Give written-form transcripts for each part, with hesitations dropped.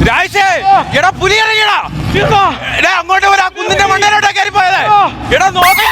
രാജേഷേ, എടാ പുലി ഇറങ്ങിയടാ. എടാ അങ്ങോട്ട് വരാ, കുന്നിന്റെ മണ്ടയിലോട്ടാ കയറി പോയത്. എടാ നോക്കി.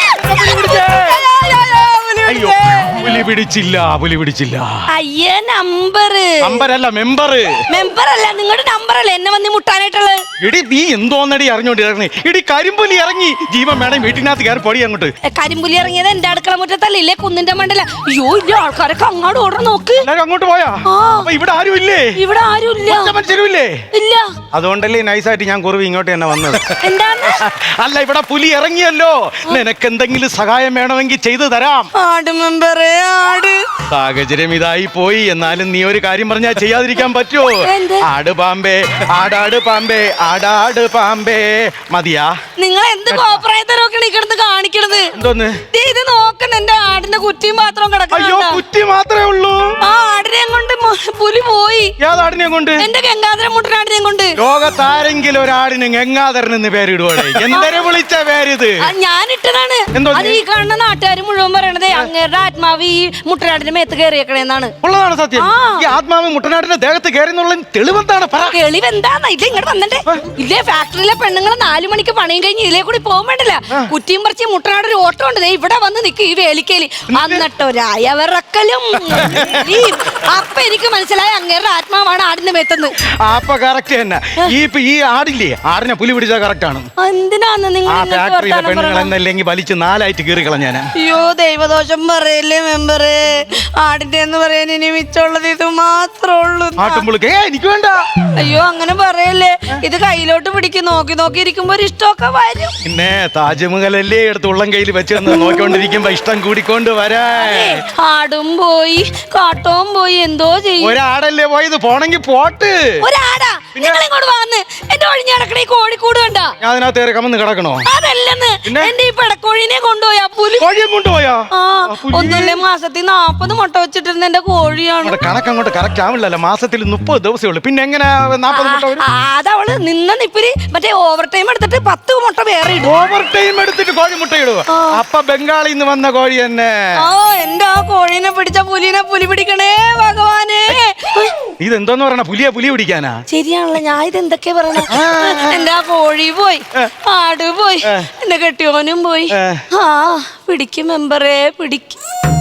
അയ്യോ, പുലി പിടിച്ചില്ല, പുലി പിടിച്ചില്ല. അയ്യേ, നമ്പറല്ല മെമ്പറല്ല, നിങ്ങളുടെ നമ്പറല്ലേ എന്നെ വന്ന് മുട്ടാനായിട്ടുള്ളത്. എടി നീ എന്തോന്നടി അറിഞ്ഞോണ്ടി ഇറങ്ങി? എടി കരിമ്പുലി ഇറങ്ങി. ജീവൻ വേണം വീട്ടിനകത്ത് കയറി പൊടി അങ്ങോട്ട്. കരിമ്പുലി ഇറങ്ങിയത് എന്റെ അടുക്കള മുറ്റത്തല്ല, ഇല്ലേ കുന്നിന്റെ മണ്ടല്ല. അയ്യോ, ഇല്ല, ആൾക്കാരൊക്കെ അങ്ങോട്ട് ഓർഡർ നോക്ക്. എല്ലാരും അങ്ങോട്ട് പോയാ? ഇവിടെ ആരും ഇല്ലേ? ഇവിടെ ആരും ഇല്ല. മനുഷ്യരുമില്ലേ? ഇല്ല. അതുകൊണ്ടല്ലേ നൈസായിട്ട് ഞാൻ കുറവ് ഇങ്ങോട്ട് തന്നെ വന്നത്. എന്താണ്? അല്ല, ഇവിടെ പുലി ഇറങ്ങിയല്ലോ. നിനക്ക് എന്തെങ്കിലും സഹായം വേണമെങ്കിൽ ചെയ്തു തരാം. ആട് മെമ്പറേ, ആട്. സാഹചര്യം ഇതായി പോയി. എന്നാലും നീ ഒരു കാര്യം പറഞ്ഞാൽ ചെയ്യാതിരിക്കാൻ പറ്റുമോ? ആട് പാമ്പേ, ആടാട് പാമ്പേ, ആടാട് പാമ്പേ. മതിയാ? നിങ്ങൾ എന്ത് കോപ്രായത്തരൊക്കെ കിടന്ന് കാണിക്കണത്? എന്തോന്ന് ഇത് നോക്കണ, എന്റെ ആടിന്റെ കുറ്റിയും പാത്രവും കിടക്കണം. അയ്യോ, കുറ്റി മാത്രമേ ഉള്ളൂ. ആ ആടിനെയും കൊണ്ട് പുലി പോയി. ഏതാടിനെ കൊണ്ട്? എന്റെ ഗംഗാധരൻ മുട്ടനാടിനെയും കൊണ്ട്. ലോകത്താരെങ്കിലും ഒരാടിന് ഗംഗാധരൻ എന്ന് പേരിടുവാടേ. എന്തൊരു വിളിച്ച പേരിത്? ഞാനിട്ടതാണ്. അത് ഈ കാണുന്ന നാട്ടുകാർ മുഴുവൻ പറയണത് അങ്ങേരുടെ ആത്മാവ് ഈ മുട്ടനാടിന്റെ മേത്ത് കയറിയേക്കണേന്നാണ്. ഉള്ളതാണ് സത്യം. ഈ ആത്മാവ് മുട്ടനാടിന്റെ ദേഹത്ത് കയറിന്നുള്ള തെളിവെന്താണ്? തെളിവെന്താന്ന്? ഇല്ല, ഇങ്ങോട്ട് വന്നിട്ടേ. ഇല്ലേ, ഫാക്ടറിയിലെ പെണ്ണുങ്ങൾ 4 മണിക്ക് പണിയും കഴിഞ്ഞ് ഇതിലേ കൂടി പോകാൻ വേണ്ടില്ല. കുറ്റിയും പറിച്ച് മുട്ടനാട് ഒരു ഓട്ടം ഉണ്ട്. ഇവിടെ വന്ന് നിൽക്കും ഈ വേലിക്കേലി. എന്നിട്ടൊരായവിറക്കലും. അപ്പൊ എനിക്ക് മനസ്സിലായി അങ്ങേരുടെ ആത്മാവാണ് ആടിന്റെ മേത്തെന്ന്. അപ്പൊ കറക്റ്റ് തന്നെ. ഈ ആടില്ലേ, ആടിനെ പുലി പിടിച്ചാൽ കറക്റ്റ് ആണ്. എന്തിനാന്ന് നിങ്ങൾ വലിച്ച് 4ആയിട്ട് കീറി കളഞ്ഞാൻ. അയ്യോ, ദൈവദോഷം പറയല്ലേ മെമ്പറേ. ആടിന്റെ എന്ന് പറയാൻ ഇനി മിച്ചമുള്ളത് ഇത് മാത്രമേ ഉള്ളൂ. എനിക്ക് വേണ്ട. അയ്യോ, അങ്ങനെ പറയല്ലേ. ഇത് കയ്യിലോട്ട് പിടിക്കും. നോക്കി നോക്കി ഇരിക്കുമ്പോ ഒരു ഇഷ്ടമൊക്കെ വരും. പിന്നെ താജ്മഹലല്ലേ എടുത്ത് ഉള്ളം കയ്യിൽ വെച്ച് നോക്കിക്കൊണ്ടിരിക്കുമ്പോ ഇഷ്ടം കൂടിക്കൊണ്ട് വരാ. ആടും പോയി, കാട്ടവും പോയി, എന്തോ ചെയ്യും. ഒരാടല്ലേ പോയത്, പോണെങ്കി പോട്ട്. ഒരാടാ? നിങ്ങളിങ്ങോട്ട് വന്ന് എന്റെ ഒഴിഞ്ഞ കിടക്കണ ഈ കോഴിക്കൂട് കണ്ട? ഞാൻ അതിനകത്ത് കയറി കമന്ന് കിടക്കണോ? അതല്ലെന്ന്, എന്റെ ഈ പെടക്കോഴിനെ കൊണ്ടുപോയാ പുലി. കോഴിയെ കൊണ്ടുപോയാ? ഒന്നുമില്ലേ, മാസത്തിൽ 40 മുട്ട വെച്ചിട്ടിരുന്ന എന്റെ കോഴിയാണ്. കണക്കങ്ങോട്ട് കറക്റ്റ് ആവില്ലല്ലോ. മാസത്തിൽ 30 ദിവസമേ ഉള്ളൂ. പിന്നെ എങ്ങനെ 40 മുട്ട വരും? അതവള് നിന്ന നിപ്പില് മറ്റേ ഓവർ ടൈം എടുത്തിട്ട് 10 മുട്ട വേറെ ഇടും. ഓവർ ടൈം എടുത്തിട്ട് കോഴി മുട്ട ഇടുക? അപ്പൊ ബംഗാളിൽ നിന്ന് വന്ന കോഴി തന്നെ. എന്റെ ആ കോഴീനെ പിടിച്ച പുലിനെ പുലി പിടിക്കണേ ഭഗവാനെ. ഇതെന്തോന്ന് പറയണ? പുലി പിടിക്കാനാ? ശരിയാണല്ലോ, ഞാൻ ഇത് എന്തൊക്കെയാ പറയണ. എന്റെ ആ കോഴി പോയി, ആട് പോയി, എന്റെ കെട്ടിയോനും പോയി. പിടിക്കും മെമ്പറേ, പിടിക്കും.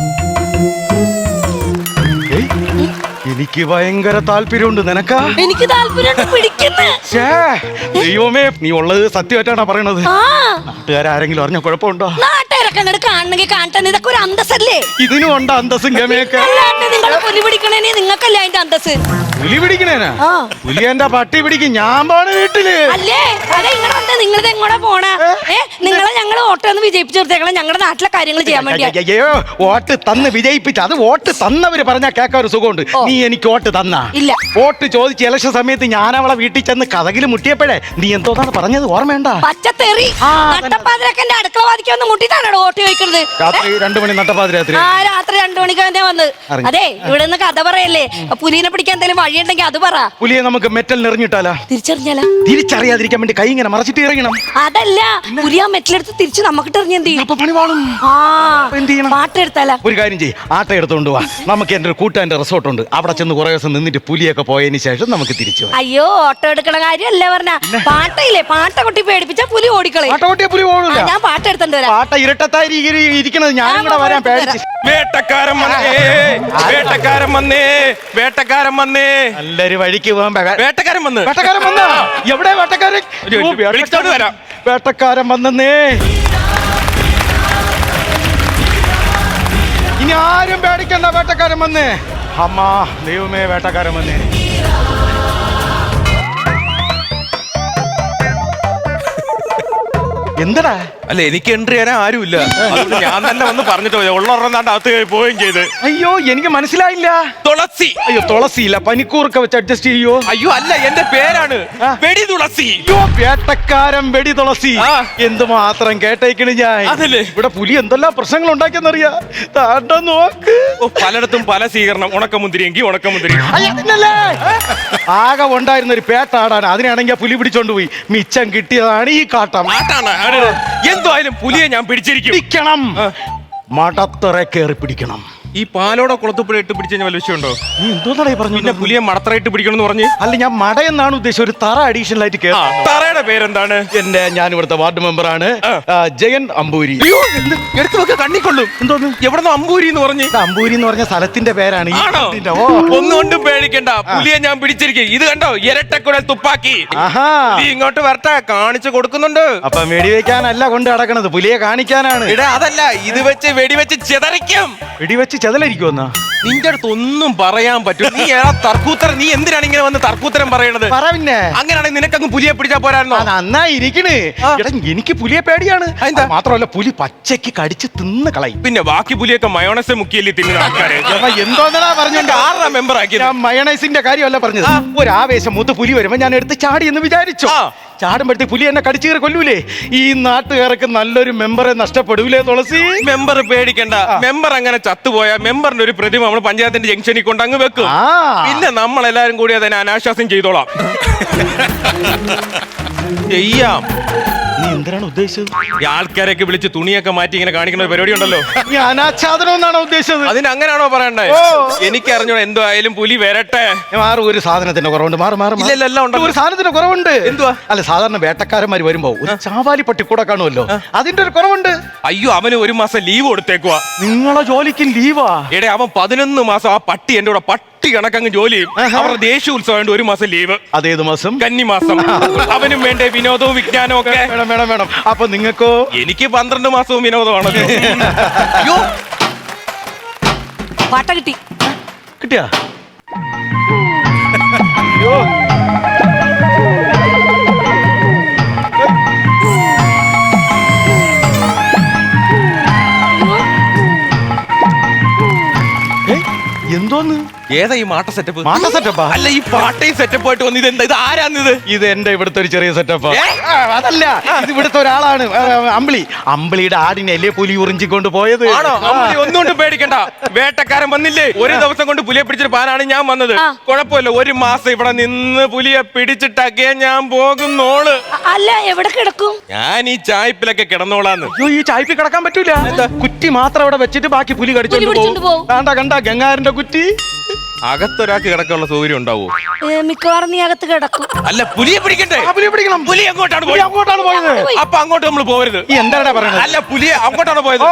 എനിക്ക് ഭയങ്കര താല്പര്യമുണ്ട്. നിനക്കാ? എനിക്ക് താല്പര്യമുണ്ട്. പിടിക്കുന്നു. ദൈവമേ, നീ ഉള്ളത് സത്യമായിട്ടാണ് പറയണത്. നാട്ടുകാരെങ്കിലും അറിഞ്ഞ കുഴപ്പമുണ്ടോ? നാട്ടുകാരൊക്കെ അങ്ങോട്ട് കാണണമെങ്കിൽ കാണട്ടെ. ഇതൊക്കെ ഒരു അന്തസ്സല്ലേ? ഇതിനും ഉണ്ട് അന്തസ്സും ഗമയൊക്കെ. നിങ്ങൾ പുലി പിടിക്കണേന് നിങ്ങൾക്കല്ല അതിന്റെ അന്തസ്. പുലി പിടിക്കണേനാ? പുലി എന്റെ പട്ടി പിടിക്കും. ഞാൻ പോണ വീട്ടില് അല്ലേ? അതെ, ഇങ്ങനെ വന്ന് നിങ്ങളിത് എങ്ങോട്ടാ പോണ? നിങ്ങളെ ഞങ്ങൾ വോട്ടൊന്ന് വിജയിപ്പിച്ചു നിർത്തേക്കണം ഞങ്ങളുടെ നാട്ടിലെ കാര്യങ്ങൾ ചെയ്യാൻ വേണ്ടി. അയ്യോ, വോട്ട് തന്ന് വിജയിപ്പിച്ചു. അത് വോട്ട് തന്നവര് പറഞ്ഞാൽ കേൾക്കാൻ ഒരു സുഖമുണ്ട്. നീ എനിക്ക് വോട്ട് തന്നാ? ഇല്ല. വോട്ട് ചോദിച്ച് ഇലക്ഷൻ സമയത്ത് ഞാൻ അവളെ വീട്ടിൽ ചെന്ന് കഥകിൽ മുട്ടിയപ്പോഴേ നീ എന്തോന്നാണ് പറഞ്ഞത് ഓർമ്മയുണ്ട? പച്ചത്തേറി നട്ടപ്പാതിരൊക്കെ എന്റെ അടുക്കള വാദിക്കൊന്ന് മുട്ടിട്ടാണ് വോട്ട് ചോദിക്കുന്നത്. രാത്രി 2 മണി നട്ടപ്പാതിരാത്രി. രാത്രി 2 മണിക്ക് തന്നെ വന്ന്. അതെ, ഇവിടെ നിന്ന് കഥ പറയല്ലേ. പുലിനെ പിടിക്കാൻ എന്തെങ്കിലും വഴിയുണ്ടെങ്കിൽ അത് പറ. പുലിയെ നമുക്ക് മെറ്റൽ എറിഞ്ഞിട്ടാലാ? തിരിച്ചറിഞ്ഞാലാ? തിരിച്ചറിയാതിരിക്കാൻ വേണ്ടി കൈ ഇങ്ങനെ മറച്ചിട്ട് എറിയണം. അതല്ല, പുലി ആ മെറ്റലെടുത്ത് തിരിച്ച് നമുക്കിട്ട് എറിഞ്ഞ എന്ത് ചെയ്യും? പണി വാളും. പാട്ടെടുത്താലാ? ഒരു കാര്യം ചെയ്യ്, ആട്ട എടുത്തോണ്ട് പോവാ. നമുക്ക് എന്റെ ഒരു കൂട്ടാന്റെ റിസോർട്ട് ഉണ്ട്. അവിടെ ചെന്ന് കുറെ ദിവസം നിന്നിട്ട് പുലിയൊക്കെ പോയതിന് ശേഷം നമുക്ക് തിരിച്ചു. അയ്യോ, ഓട്ടോ എടുക്കണ കാര്യമല്ല പറഞ്ഞ. പാട്ടയില്ലേ, പാട്ട കൊട്ടി പേടിപ്പിച്ചാ പുലി ഓടിക്കളയും. പാട്ട കൊട്ടിയ പുലി ഓടില്ല. ഞാൻ പാട്ട് എടുത്തോണ്ട് വരാം. പാട്ട ഇരട്ടത്തായി ഇരിക്കണത് ഞാനും കൂടെ വരാൻ പേടിച്ച്. വേട്ടക്കാരൻ വന്നേ, വേട്ടക്കാരൻ വന്നേ, വേട്ടക്കാരൻ വന്നേ. നല്ലൊരു വഴിക്ക് പോകാൻ വേട്ടക്കാരൻ വന്ന്. വേട്ടക്കാരൻ വന്ന? എവിടെ വേട്ടക്കാരൻ? വരാം. വേട്ടക്കാരൻ വന്നേ. ഇനി ആരും പേടിക്കണ്ട, വേട്ടക്കാരൻ വന്നേ. അമ്മ ദൈവമേ, വേട്ടക്കാരൻ വന്നേ. എന്തടാ? അല്ല, എനിക്ക് എൻട്രി ചെയ്യാൻ ആരുമില്ല. ഞാൻ തന്നെ വന്ന് പറഞ്ഞിട്ട് പോയി. ഉള്ളൊരെണ്ണാണ്ട് അകത്ത് പോവുകയും ചെയ്ത്. അയ്യോ, എനിക്ക് മനസ്സിലായില്ല. തുളസി. അയ്യോ, തുളസിയില്ല. പനിക്കൂർക്ക വെച്ച് അഡ്ജസ്റ്റ് ചെയ്യോ? അയ്യോ, അല്ല, എന്റെ പേരാണ് വെടി തുളസി. അയ്യോ, വേട്ടക്കാരൻ വെടി തുളസി. എന്തുമാത്രം കേട്ടേക്കണ് ഞാൻ. അതല്ലേ, ഇവിടെ പുലി എന്തെല്ലാം പ്രശ്നങ്ങൾ ഉണ്ടാക്കിയെന്നറിയാ. താണ്ട നോക്ക്. പലയിടത്തും പല സ്വീകരണം. ഉണക്കമുന്തിരിയെങ്കിൽ ഉണക്കമുന്തിരി. ആകെ ഉണ്ടായിരുന്ന ഒരു പേട്ടാടാണ്. അതിനാണെങ്കിൽ പുലി പിടിച്ചോണ്ട് പോയി. മിച്ചം കിട്ടിയതാണ് ഈ കാട്ടം. എന്തായാലും പുലിയെ ഞാൻ പിടിച്ചിരിക്കും. പിടിക്കണം. മടത്തറ കയറി പിടിക്കണം. ഈ പാലോടെ കുളത്തുപ്പുഴ ഇട്ട് പിടിച്ചു കഴിഞ്ഞാൽ വല്ല വിഷയമുണ്ടോ? നീ എന്തോന്നാണ് പറഞ്ഞു? പിന്നെ പുലിയെ മടത്തറയിട്ട് പിടിക്കണം പറഞ്ഞ്? അല്ല, ഞാൻ മട എന്നാണ് ഉദ്ദേശിച്ചത്. ഒരു തറ അഡീഷണൽ ആയിട്ട് കേട്ടോ. തറയുടെ പേരെന്താണ്? ഞാൻ ഇവിടുത്തെ വാർഡ് മെമ്പറാണ്, ജയൻ അമ്പൂരി. എടുത്തു വെക്ക, കണ്ണിക്കൊള്ളും. എന്തോന്ന് എവിടെന്നോ അമ്പൂരി എന്ന് പറഞ്ഞ്? അമ്പൂരി എന്ന് പറഞ്ഞ സ്ഥലത്തിന്റെ പേരാണ്. ആണോ? ഒന്നുകൊണ്ടും പേടിക്കണ്ട, പുലിയെ ഞാൻ പിടിച്ചിരിക്കും. ഇത് കണ്ടോ, ഇരട്ടക്കുഴൽ തുപ്പാക്കി. നീ ഇങ്ങോട്ട് വരട്ടെ, കാണിച്ചു കൊടുക്കുന്നുണ്ട്. അപ്പൊ വെടിവെക്കാനല്ല കൊണ്ട് നടക്കണത്, പുലിയെ കാണിക്കാനാണ്. ഇടാ അതല്ല, ഇത് വെച്ച് വെടിവെച്ച് ചെതറിക്കും. വെടിവെച്ച് ചെതലരിക്കുമെന്നാ? നിന്റെ അടുത്ത് ഒന്നും പറയാൻ പറ്റും? നീ ഏതാ തർക്കൂത്തരം? നീ എന്തിനാണ് ഇങ്ങനെ വന്ന് തർക്കൂത്തരം പറയണത്? പറ പിന്നെ. അങ്ങനെയാണെങ്കിൽ നിനക്കങ്ങ് പുലിയെ പിടിച്ചാ പോരായിരുന്നോ? നന്നായി ഇരിക്കണ്. എടാ, എനിക്ക് പുലിയെ പേടിയാണ്. മാത്രമല്ല, പുലി പച്ചയ്ക്ക് കടിച്ച് തിന്ന് കളയും. പിന്നെ ബാക്കി പുലിയൊക്കെ മയോണൈസ് മുക്കിയല്ലേ തിന്നുന്ന ആൾക്കാര്. എന്തോന്നാ പറഞ്ഞോണ്ട് ആറാ മെമ്പർ ആക്കിയത്? ഞാൻ മയണൈസിന്റെ കാര്യമല്ല പറഞ്ഞത്. ഒരു ആവേശം മൂത്ത് പുലി വരുമ്പോ ഞാൻ എടുത്ത് ചാടി എന്ന് വിചാരിച്ചു. ചാടുമ്പോഴത്തേക്ക് പുലി എന്നെ കടിച്ചു കയറി കൊല്ലൂലേ? ഈ നാട്ടുകാർക്ക് നല്ലൊരു മെമ്പറെ നഷ്ടപ്പെടൂലേ തുളസി? മെമ്പർ പേടിക്കണ്ട. മെമ്പർ അങ്ങനെ ചത്തുപോയാ മെമ്പറിന്റെ ഒരു പ്രതിമ നമ്മൾ പഞ്ചായത്തിന്റെ ജംഗ്ഷനിൽ കൊണ്ട് അങ്ങ് വെക്കും. പിന്നെ നമ്മളെല്ലാരും കൂടി അതിനെ അനാശ്വാസം ചെയ്തോളാം. ചെയ്യാം. നീ എന്തിനാണ് ഉദ്ദേശിച്ചത്? ഈ ആൾക്കാരൊക്കെ വിളിച്ച് തുണിയൊക്കെ മാറ്റി ഇങ്ങനെ കാണിക്കുന്ന ഒരു പരിപാടി ഉണ്ടല്ലോ. നീ അനാച്ഛാദനം എന്നാണോ ഉദ്ദേശിച്ചത്? അതിന് അങ്ങനെയാണോ പറയണ്ടേ? എനിക്കറിഞ്ഞോ, എന്തോ ആയാലും പുലി വരട്ടെ. മാറും, ഒരു സാധനത്തിന്റെ കുറവുണ്ട്. ഇല്ലെല്ലാം ഉണ്ട്. ഒരു സാധനത്തിന്റെ കുറവുണ്ട്. എന്തുവാ? അല്ല, സാധാരണ വേട്ടക്കാരന്മാര് വരുമ്പോ ഒരു ചാവാലി പട്ടി കൂടെ കാണുമല്ലോ, അതിന്റെ ഒരു കുറവുണ്ട്. അയ്യോ, അവന് ഒരു മാസം ലീവ് കൊടുത്തേക്കുവാ. നിങ്ങളെ ജോലിക്ക് ലീവാ? എടേ, അവൻ 11 മാസം ആ പട്ടി എന്റെ കൂടെ പട്ടി കണക്കങ്ങ് ജോലി ചെയ്യും. അവരുടെ ദേശീയ ഉത്സവം ഒരു മാസം ലീവ്. അതേത് മാസം? കന്നിമാസം. അവനും വേണ്ടേ വിനോദവും വിജ്ഞാനവും ഒക്കെ? വേണം. അപ്പൊ നിങ്ങൾക്കോ? എനിക്ക് 12 മാസവും വിനോദമാണല്ലോ. അയ്യോ, പാട്ട കിട്ടി. കിട്ടിയാ? അയ്യോ, എന്തോന്ന്? ഏതാ ഈ മാട്ട സെറ്റപ്പ്? മാട്ട സെറ്റപ്പാ? അല്ല, ഈ പാട്ടയും സെറ്റപ്പ് ആയിട്ട് വന്ന് ഇതെന്താ? ഇത് ആരാന്നിത്? ഇത് എന്റെ ഇവിടുത്തെ ഒരു ചെറിയ സെറ്റപ്പാ. അതല്ല, ഇത് ഇവിടുത്തെ ഒരാളാണ്, അമ്പിളിയുടെ ആടിനെ അല്ലേ പുലി ഉറിഞ്ചിക്കൊണ്ട് പോയത്. ആണോ? ഒന്നുകൊണ്ട് പേടിക്കണ്ട, വേട്ടക്കാരൻ വന്നില്ലേ? ഒരു ദിവസം കൊണ്ട് പുലിയെ പിടിച്ചിട്ട് പാനാണ് ഞാൻ വന്നത്. കുഴപ്പമില്ല, ഒരു മാസം ഇവിടെ നിന്ന് പുലിയെ പിടിച്ചിട്ടൊക്കെ ഞാൻ പോകുന്നോള്. അല്ല, എവിടെ കിടക്കും? ഞാൻ ഈ ചായ്പിലൊക്കെ കിടന്നോളാന്ന്. അയ്യോ, ഈ ചായ്പി കിടക്കാൻ പറ്റൂല. കുറ്റി മാത്രം അവിടെ വെച്ചിട്ട് ബാക്കി പുലി കടിച്ചോണ്ട് പോകും. കണ്ട ഗംഗാരന്റെ കുറ്റി. അകത്തൊരാൾക്ക് കിടക്കാനുള്ള സൗകര്യം ഉണ്ടാവോ? മിക്കവാറും നീ അകത്ത് കിടക്കും. അല്ല, പുലിയെ പിടിക്കണ്ടേ? പുലിയെ പിടിക്കണം. പുലി അങ്ങോട്ടാണ് പോയത്. അപ്പൊ അങ്ങോട്ട് നമ്മൾ പോകരുത്. ഈ എന്താണ് പറയുന്നത്? അല്ല, പുലിയെ അങ്ങോട്ടാണ് പോയത്.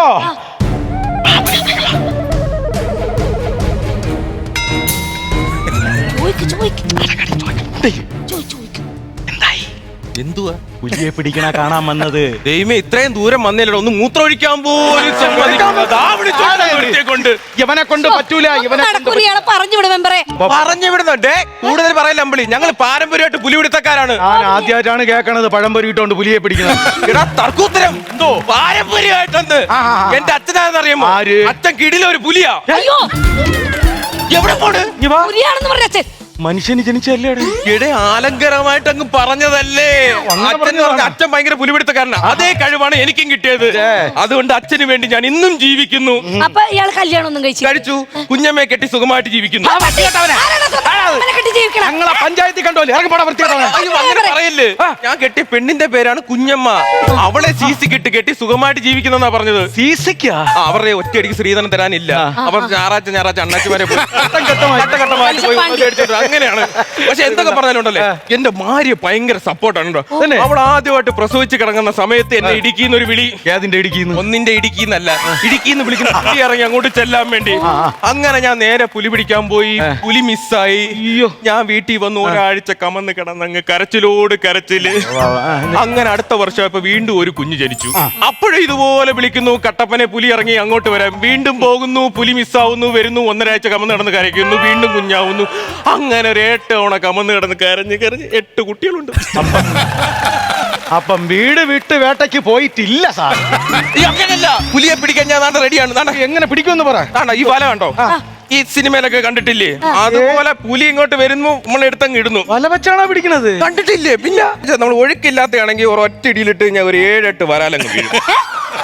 എന്തുവാ? പുലിയെ പിടിക്കണ കാണാൻ വന്നത്. ദൈവമേ, ഇത്രയും ദൂരം വന്നില്ലല്ലോ, ഒന്ന് മൂത്രമൊഴിക്കാൻ പോലും കൊണ്ട്. ഇവനെ കൊണ്ട് പറ്റൂല. പറഞ്ഞു വിടും മെമ്പറെ. പറഞ്ഞു വിടുന്നുണ്ടേ. കൂടുതൽ പറയില്ല അമ്പിളി, ഞങ്ങൾ പാരമ്പര്യമായിട്ട് പുലിപിടുത്തക്കാരാണ്. ഞാൻ ആദ്യമായിട്ടാണ് കേൾക്കണത് പഴംപൊരി ഇട്ടോണ്ട് പുലിയെ പിടിക്കുന്നത്. എടാ തർക്കൂത്തരം, എന്തോ പാരമ്പര്യമായിട്ടുണ്ട്. എന്റെ അച്ഛനാണെന്നറിയാമോ? അച്ഛൻ കിടിലൊരു പുലിയാ. അയ്യോ, എവിടെ പോണ്? പുലിയാണെന്ന് പറഞ്ഞ അച്ഛൻ മനുഷ്യന് ജനിച്ചല്ലേ? എടേ, ആലങ്കരമായിട്ട് അങ്ങ് പറഞ്ഞതല്ലേ. അച്ഛൻ ഭയങ്കര പുലിപിടുത്തക്കാരനാ. അതേ കഴിവാണ് എനിക്കും കിട്ടിയത്. അതുകൊണ്ട് അച്ഛന് വേണ്ടി ഞാൻ ഇന്നും ജീവിക്കുന്നു. അപ്പൊ ഇയാൾ കല്യാണം ഒന്നും കഴിച്ചു, കുഞ്ഞമ്മയെ കെട്ടി സുഖമായിട്ട് ജീവിക്കുന്നു. ഞങ്ങളെ പഞ്ചായത്തിൽ കണ്ടോല്ലേ? അങ്ങനെ പറയല്ലേ. ഞാൻ കെട്ടിയ പെണ്ണിന്റെ പേരാണ് കുഞ്ഞമ്മ. അവളെ സീസി കെട്ടി സുഖമായിട്ട് ജീവിക്കുന്നെന്നാ പറഞ്ഞത്. സീസിക്കാ? അവരുടെ ഒറ്റയടിക്ക് ശ്രീധരൻ തരാനില്ല. അവർ ഞായറാഴ്ച അണ്ണാച്ചിമാരെ പോയി അങ്ങനെയാണ്. പക്ഷെ എന്തൊക്കെ പറഞ്ഞാലുണ്ടല്ലേ, എന്റെ ഭാര്യ ഭയങ്കര സപ്പോർട്ടാണ്. അവൾ ആദ്യമായിട്ട് പ്രസവിച്ച് കിടങ്ങുന്ന സമയത്ത് എന്നെ ഇടുക്കിന്ന് ഒരു വിളി. ഏതിന്റെ ഇടുക്കിന്ന്? ഒന്നിന്റെ ഇടുക്കിന്നല്ല, ഇടുക്കിന്ന് വിളിക്കുന്ന പുലി ഇറങ്ങി അങ്ങോട്ട് ചെല്ലാൻ വേണ്ടി. അങ്ങനെ ഞാൻ നേരെ പുലി പിടിക്കാൻ പോയി. പുലി മിസ്സായി. ഞാൻ വീട്ടിൽ വന്ന് ഒരാഴ്ച കമന്ന് കിടന്നങ്ങ് കരച്ചിലോട് കരച്ചില്. അങ്ങനെ അടുത്ത വർഷം ഇപ്പൊ വീണ്ടും ഒരു കുഞ്ഞ് ജനിച്ചു. അപ്പോഴും ഇതുപോലെ വിളിക്കുന്നു, കട്ടപ്പനെ പുലി ഇറങ്ങി അങ്ങോട്ട് വരാം. വീണ്ടും പോകുന്നു, പുലി മിസ്സാവുന്നു, വരുന്നു, 1.5 ആഴ്ച കമന്ന് കിടന്ന് കരയ്ക്കുന്നു, വീണ്ടും കുഞ്ഞാവുന്നു. അങ്ങനെ ഒരു 8 തവണ കമന്ന് കിടന്ന് കരഞ്ഞ് 8 കുട്ടികളുണ്ട്. അപ്പം വീട് വിട്ട് വേട്ടയ്ക്ക് പോയിട്ടില്ല സാർ. അങ്ങനെയല്ല, പുലിയെ പിടിക്കാൻ ഞാൻ റെഡിയാണ്. എങ്ങനെ പിടിക്കുമെന്ന് പറ. ഈ വല കണ്ടോ? ഈ സിനിമയിലൊക്കെ കണ്ടിട്ടില്ലേ? അതുപോലെ പുലി ഇങ്ങോട്ട് വരുന്നു, നമ്മൾ എടുത്തങ്ങ് ഇടുന്നു. വല വെച്ചാണോ പിടിക്കണത്? കണ്ടിട്ടില്ലേ? പിന്നെ നമ്മൾ ഒഴുക്കില്ലാത്തയാണെങ്കിൽ ഒറ്റ ഇടിയിലിട്ട് ഞാൻ ഒരു 7-8 വരാലങ്ങ് വീഴും.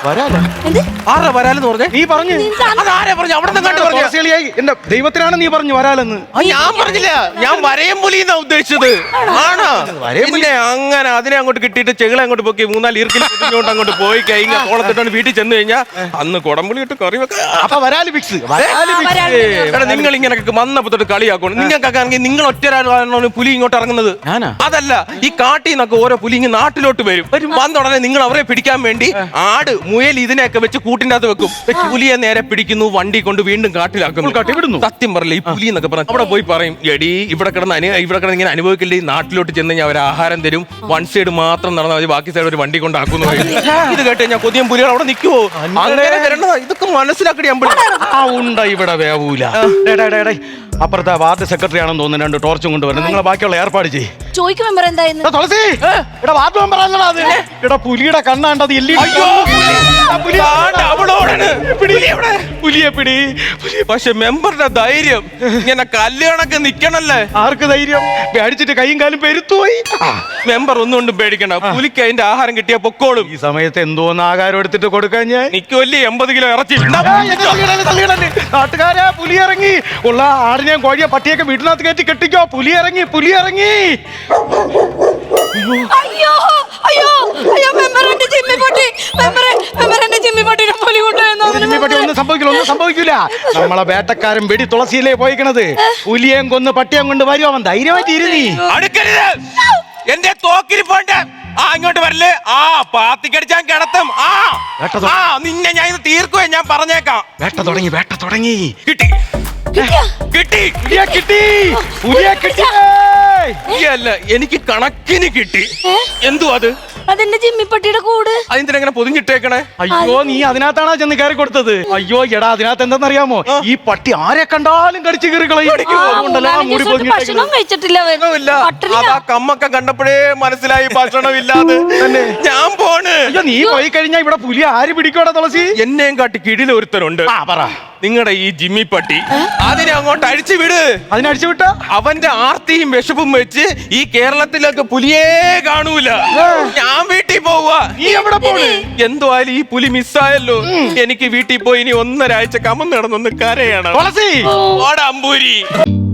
വരാല എന്ത്? ആരാ വരാലെന്ന് പറഞ്ഞേ? നീ പറഞ്ഞു അതാരാ പറഞ്ഞു? അവിടെ നിന്ന് കണ്ടു പറഞ്ഞു. തുളസിയായി എന്റെ ദൈവത്തിനാണ് നീ പറഞ്ഞു വരാലെന്ന്. ഞാൻ പറഞ്ഞില്ല, ഞാൻ വരയമ്പുലി എന്നാ ഉദ്ദേശിച്ചത്. ആണോ? പിന്നെ അങ്ങനെ അതിനെ അങ്ങോട്ട് കിട്ടിയിട്ട് ചെകിളെ അങ്ങോട്ട് പൊക്കി 3-4 ഈർക്കിൽ പൊതിഞ്ഞുകൊണ്ട് അങ്ങോട്ട് പോയി കഴിഞ്ഞാൽ കോളത്തിട്ടാണ് വീട്ടിൽ ചെന്ന് കഴിഞ്ഞാൽ അന്ന് കുടംപുളി ഇട്ട് കറി വെക്കാം. അപ്പൊ വരാല് ഫിക്സ്. നിങ്ങൾ ഇങ്ങനെ വന്നപ്പോ തൊട്ട് കളിയാക്കണം. നിങ്ങൾക്കൊക്കെ ആണെങ്കിൽ നിങ്ങൾ ഒറ്റരാണ് പുലി ഇങ്ങോട്ട് ഇറങ്ങുന്നത്. അതല്ല, ഈ കാട്ടിൽ നിന്നൊക്കെ ഓരോ പുലി ഇങ്ങനെ നാട്ടിലോട്ട് വരും. വന്ന ഉടനെ നിങ്ങൾ അവരെ പിടിക്കാൻ വേണ്ടി ആട്, മുയൽ ഇതിനെയൊക്കെ വെച്ച് കൂട്ടിന്റെ അകത്ത് വെക്കും. പുലിയെ നേരെ പിടിക്കുന്നു, വണ്ടി കൊണ്ട് വീണ്ടും കാട്ടിലാക്കുന്നു. സത്യം പറയില്ല, ഈ പുലി എന്നൊക്കെ പറഞ്ഞു അവിടെ പോയി പറയും, എടി ഇവിടെ കിടന്ന് ഇങ്ങനെ അനുഭവിക്കില്ലേ, നാട്ടിലോട്ട് ചെന്ന് കഴിഞ്ഞാൽ അവർ ആഹാരം തരും, വൺ സൈഡ് മാത്രം നടന്നാൽ മതി, ബാക്കി സൈഡ് ഒരു വണ്ടി കൊണ്ടാക്കുന്നു. ഇത് കേട്ട് കഴിഞ്ഞാൽ കൊതിയം പുലികൾ അവിടെ നിൽക്കുവോ? അങ്ങനെ വരണതാ. ഇതൊക്കെ മനസ്സിലാക്കടി അമ്പളി. ഉണ്ട ഇവിടെ വേവൂല. അപ്പുറത്തെ വാർഡ് സെക്രട്ടറി ആണെന്ന് തോന്നുന്നു 2 ടോർച്ചും കൊണ്ടുവരണം. നിങ്ങൾ ബാക്കിയുള്ള ഏർപ്പാട് ചെയ്യും. ചോദിക്കും മെമ്പർ എന്തായിരുന്നു? തുളസി ഇവിടെ വാർഡ് മെമ്പർ ആണല്ലോ അത്. ഇവിടെ പുലിയുടെ കണ്ണാണ്ടത് എല്ലി. പുലിയെ പിടി. പക്ഷെ മെമ്പറുടെ ധൈര്യം ഇങ്ങനെ കല്യാണൊക്കെ നിക്കണല്ലേ. ആർക്ക് ധൈര്യം? പേടിച്ചിട്ട് കൈയും കാലും പെരുത്തുപോയി. മെമ്പർ ഒന്നുകൊണ്ടും പേടിക്കണ്ട, പുലിക്ക് അതിന്റെ ആഹാരം കിട്ടിയ പൊക്കോളും. ഈ സമയത്ത് എന്തോന്ന് ആഹാരം എടുത്തിട്ട് കൊടുക്കാൻ ഞാൻ നിക്കുവല്ലേ 80 കിലോ ഇറച്ചി. നാട്ടുകാരെ പുലി ഇറങ്ങി. ഉള്ള ആടിനെയും കോഴിയെ പട്ടിയൊക്കെ വീട്ടിനകത്ത് കയറ്റി കെട്ടിക്കോ. പുലി ഇറങ്ങി. അയ്യോ അയ്യോ അയ്യോ മെമ്പർ എന്റെ ജിമ്മി പൊട്ടി. മെമ്പർ എന്റെ ജിമ്മി പൊട്ടിനെ പുലി കൊണ്ടുപോയി. ഒന്നും സംഭവിക്കില്ല. നമ്മളെ വേട്ടക്കാരൻ വെടി തുളസിയിലേ പോയിക്കണത്. പുലിയേം കൊന്ന് പട്ടിയം കൊണ്ട് വരും. അവൻ ധൈര്യമായിട്ട് ഇരുന്നീ. അടുക്കരുത്, എന്റെ തോക്കിരിപ്പോണ്ട്. ഇങ്ങോട്ട് വരല്ലേ. പാത്തിക്കടിച്ചാൻ കിടത്തും. നിന്നെ ഞാൻ ഇത് തീർക്കുവേ, ഞാൻ പറഞ്ഞേക്കാം. വേട്ട തുടങ്ങി. കിട്ടി. അല്ല, എനിക്ക് കണക്കിന് കിട്ടി. എന്തു അത്? അതെന്റെ ജിമ്മിപ്പട്ടിയുടെ കൂട്. അതിനെങ്ങനെ പൊതിഞ്ഞിട്ടേക്കണേ? അയ്യോ, നീ അതിനകത്താണോ ചെന്ന് കയറി കൊടുത്തത്? അയ്യോ എടാ, അതിനകത്ത് എന്താണെന്നറിയാമോ? ഈ പട്ടി ആരെ കണ്ടാലും കടിച്ചു കയറി കളയും. ഭക്ഷണം കഴിച്ചിട്ടില്ല. അതാ കമ്മൊക്കെ കണ്ടപ്പോഴേ മനസ്സിലായി ഭക്ഷണമില്ലാതെ. ഞാൻ പോണ്. നീ പോയി കഴിഞ്ഞാ ഇവിടെ പുലി ആര് പിടിക്കോടാ തുളസി? എന്നെയും കാട്ടി കിടില ഒരുത്തരുണ്ട്. നിങ്ങളുടെ ഈ ജിമ്മി പട്ടി. അതിനെ അങ്ങോട്ട് അഴിച്ചു വിട്. അതിനഴിച്ചു വിട്ട അവന്റെ ആർത്തിയും വിശപ്പും വെച്ച് ഈ കേരളത്തിലൊക്കെ പുലിയേ കാണൂല. ഞാൻ വീട്ടിൽ പോവാ. നീ എവിടെ പോണ്? എന്തോ ആയാലും ഈ പുലി മിസ്സായല്ലോ. എനിക്ക് വീട്ടിൽ പോയി ഇനി 1.5 ആഴ്ച കമന്ന് നടന്നൊന്ന് കരയണം. തുളസി ഓടാ അമ്പൂരി.